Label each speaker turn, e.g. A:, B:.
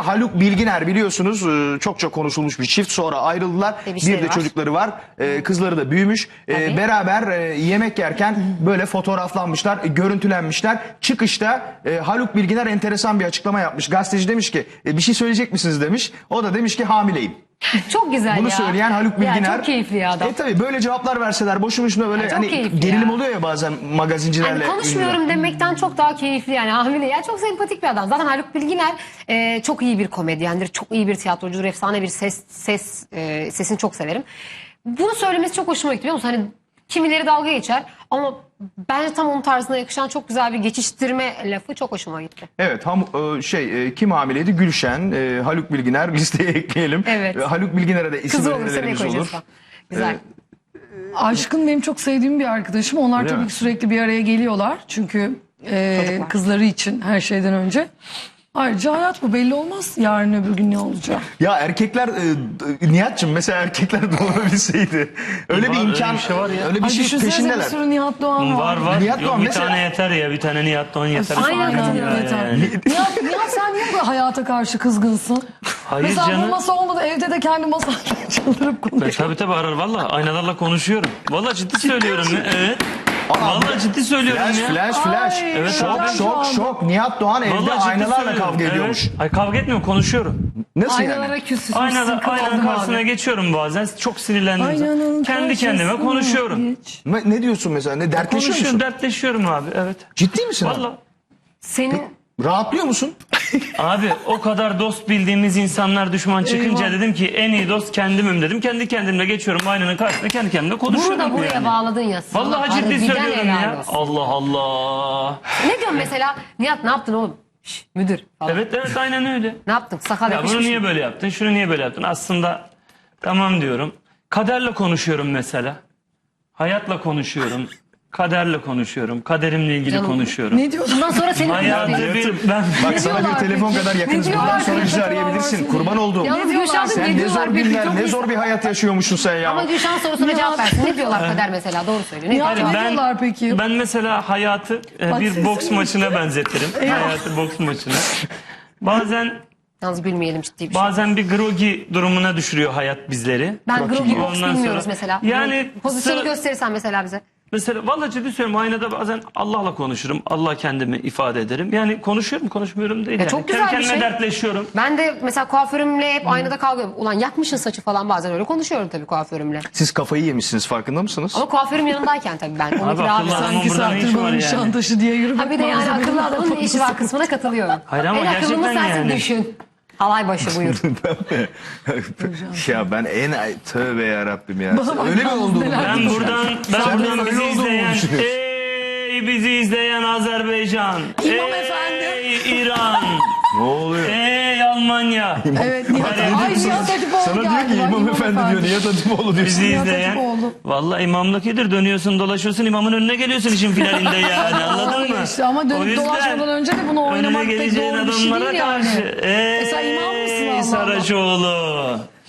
A: Haluk Bilginer biliyorsunuz çokça konuşulmuş bir çift, sonra ayrıldılar. Bir de çocukları var. Kızları da büyümüş. Beraber yemek yerken böyle fotoğraflanmışlar, görüntülenmişler. Çıkışta Haluk Bilginer enteresan bir açıklama yapmış. Gazeteci demiş ki bir şey söyleyecek misiniz demiş. O da demiş ki hamileyim.
B: Çok güzel
A: Bunu
B: ya.
A: söyleyen Haluk Bilginer.
B: Ya çok keyifli ya adam.
A: Tabii böyle cevaplar verseler boşu boşuna böyle hani gerilim oluyor ya bazen magazincilerle.
B: Yani konuşmuyorum demekten çok daha keyifli yani hamile. Ya çok sempatik bir adam. Zaten Haluk Bilginer çok iyi bir komedyendir. Çok iyi bir tiyatrocudur. Efsane bir sesini çok severim. Bunu söylemesi çok hoşuma gitti biliyor musun? Hani kimileri dalga geçer ama bence tam onun tarzına yakışan çok güzel bir geçiştirme lafı çok hoşuma gitti.
A: Evet, kim hamileydi? Gülşen, Haluk Bilginer listeye ekleyelim.
B: Evet.
A: Haluk Bilginer'e de isim
B: Kızı olursa ne
A: önerilerimiz
B: koyacağız?
A: olur.
B: Güzel.
C: Aşkın benim çok sevdiğim bir arkadaşım. Onlar tabii ki sürekli bir araya geliyorlar. Çünkü kızları için her şeyden önce. Ayrıca hayat bu, belli olmaz yarın öbür gün ne olacak.
A: Ya erkekler, Nihat'cığım mesela erkekler doğurabilseydi. Öyle bir imkan,
D: öyle bir şey var ya.
A: öyle bir şey
C: Düşünsene bir
A: peşindeler.
C: sürü Nihat Doğan var.
D: Var.
A: Nihat
D: Yok,
A: Doğan
D: bir
A: mesela-
D: tane yeter ya. Bir tane Nihat Doğan yeter.
B: Aynen,
C: Yeter. Nihat sen niye bu hayata karşı kızgınsın?
D: Hayır
C: Mesela bu
D: canım.
C: masa olmadı, evde de kendi masayla çıldırıp konuşuyor.
D: Tabii arar valla. Aynalarla konuşuyorum. Valla ciddi söylüyorum ya. Evet. Valla ciddi söylüyorum ya.
A: Flash.
C: Ay,
D: Evet,
A: Şok. Nihat Doğan evde
D: Vallahi ciddi
A: aynalarla
D: söylüyorum.
A: kavga ediyormuş.
D: Evet. Ay kavga etmiyorum, konuşuyorum.
A: Nasıl yani?
C: Aynalara küsüzmüşsün.
D: Aynanın karşısına geçiyorum bazen. Çok sinirlendiğim zaman. Kendi kendime konuşuyorum.
A: Ne diyorsun mesela? Ne dertleşiyor
D: Konuşuyorum,
A: musun?
D: dertleşiyorum abi. Evet.
A: Ciddi misin? abi?
D: Valla.
B: Senin
A: Rahatlıyor musun?
D: Abi o kadar dost bildiğimiz insanlar düşman çıkınca
C: Eyvah.
D: dedim ki en iyi dost kendimim dedim. Kendi kendimle geçiyorum aynanın karşısında, kendi kendime konuşuyorum.
B: bunu da buraya
D: yani.
B: bağladın ya. Sana
D: Vallahi ciddi
B: harbiden
D: söylüyorum
B: helal
D: ya.
B: olsun.
D: Allah Allah.
B: Ne diyorsun mesela? Nihat ne yaptın oğlum? Şş, müdür falan.
D: Evet aynen öyle.
B: Ne yaptın? Sakal
D: Ya
B: yapışmış
D: bunu
B: mı?
D: niye böyle yaptın? Şunu niye böyle yaptın? Aslında tamam diyorum. Kaderle konuşuyorum mesela. Hayatla konuşuyorum. Kaderle konuşuyorum. Kaderimle ilgili
B: Canım,
D: konuşuyorum.
C: Ne diyorsun?
B: Bundan sonra senin
D: Hayatı ben
A: Bak sana bir
C: diyorlar
A: telefon
C: peki?
A: kadar yakınız.
C: Ne
A: Bundan
C: diyorlar
A: sonra
C: peki?
A: bizi arayabilirsin. Kurban olduğum.
B: Yalnız
C: diyorlar?
B: Gülşah'ın
A: Sen
B: ne
A: ne
B: diyorlar?
A: zor
B: Peki,
A: günler,
B: çok
A: ne
B: iyi.
A: zor bir hayat yaşıyormuşsun sen ya.
B: Ama Gülşah'ın sorusuna cevap versin. Ne diyorlar kader mesela? Doğru söylüyor. Ne
C: Nihat
B: diyorlar?
C: ne diyorlar peki?
D: Ben mesela hayatı bir
C: sesini
D: boks maçına benzetirim. Hayatı boks maçına. Bazen
B: Yalnız gülmeyelim ciddi bir şey.
D: bazen bir grogi durumuna düşürüyor hayat bizleri.
B: Ben grogi box
D: Ondan
B: bilmiyoruz
D: sonra-
B: mesela.
D: Yani
B: pozisyonu
D: sıra-
B: gösterirsen mesela bize.
D: Mesela vallahi ciddi söylüyorum, aynada bazen Allah'la konuşurum. Allah kendimi ifade ederim. Yani konuşuyorum, konuşmuyorum değil. Yani.
B: çok güzel
D: Kendi
B: bir
D: kendime
B: şey.
D: dertleşiyorum.
B: Ben de mesela kuaförümle hep aynada kavga ediyorum. Ulan yakmışsın saçı falan, bazen öyle konuşuyorum tabii kuaförümle.
A: Siz kafayı yemişsiniz, farkında mısınız?
B: Ama kuaförüm yanındayken tabii ben. Onunki
D: Abi
B: daha
D: akıllı
B: bir
D: adam-
B: sanki.
C: İki
D: burada ne işi
C: saattir
D: var
C: bana
D: yani?
C: Nişantaşı diye yürümek.
B: Ha bir de yani akıllı adamın ne işi var kısmına katılıyorum.
D: Hayır ama
B: en akıllımız
D: gerçekten
B: sensin,
D: yani.
B: düşün. Halay başı buyur.
A: Ya ben tövbe yarabbim ya.
C: Bana
A: Öyle mi
C: bak,
A: oldu?
C: neler
D: Ben buradan
A: benim öyle
D: bizi
A: olduğumu
D: izleyen,
A: düşünüyorsun.
D: ey bizi izleyen Azerbaycan,
C: İmam
D: ey
C: efendi.
D: İran,
A: Ne oluyor?
D: ey Almanya.
C: Evet Nihat. Ay Nihat Hatipoğlu
A: Sana diyor
C: geldi.
A: ki
C: Bak,
A: İmam Efendi diyor. Nihat Hatipoğlu diyor.
D: Bizi
C: Nihat
D: izleyen.
C: Hatipoğlu.
D: Vallahi imamlık iyidir. Dönüyorsun dolaşıyorsun, imamın önüne geliyorsun işin finalinde yani, anladın mı?
C: İşte ama
D: O
C: dönüp
D: yüzden
C: dolaşmadan önce de bunu
D: önüne
C: oynamak pek
D: geleceğin
C: doğru bir şey
D: adamlara
C: değil yani.
D: karşı. Ey
C: sen imam mısın Allah Allah?
D: Saraçoğlu.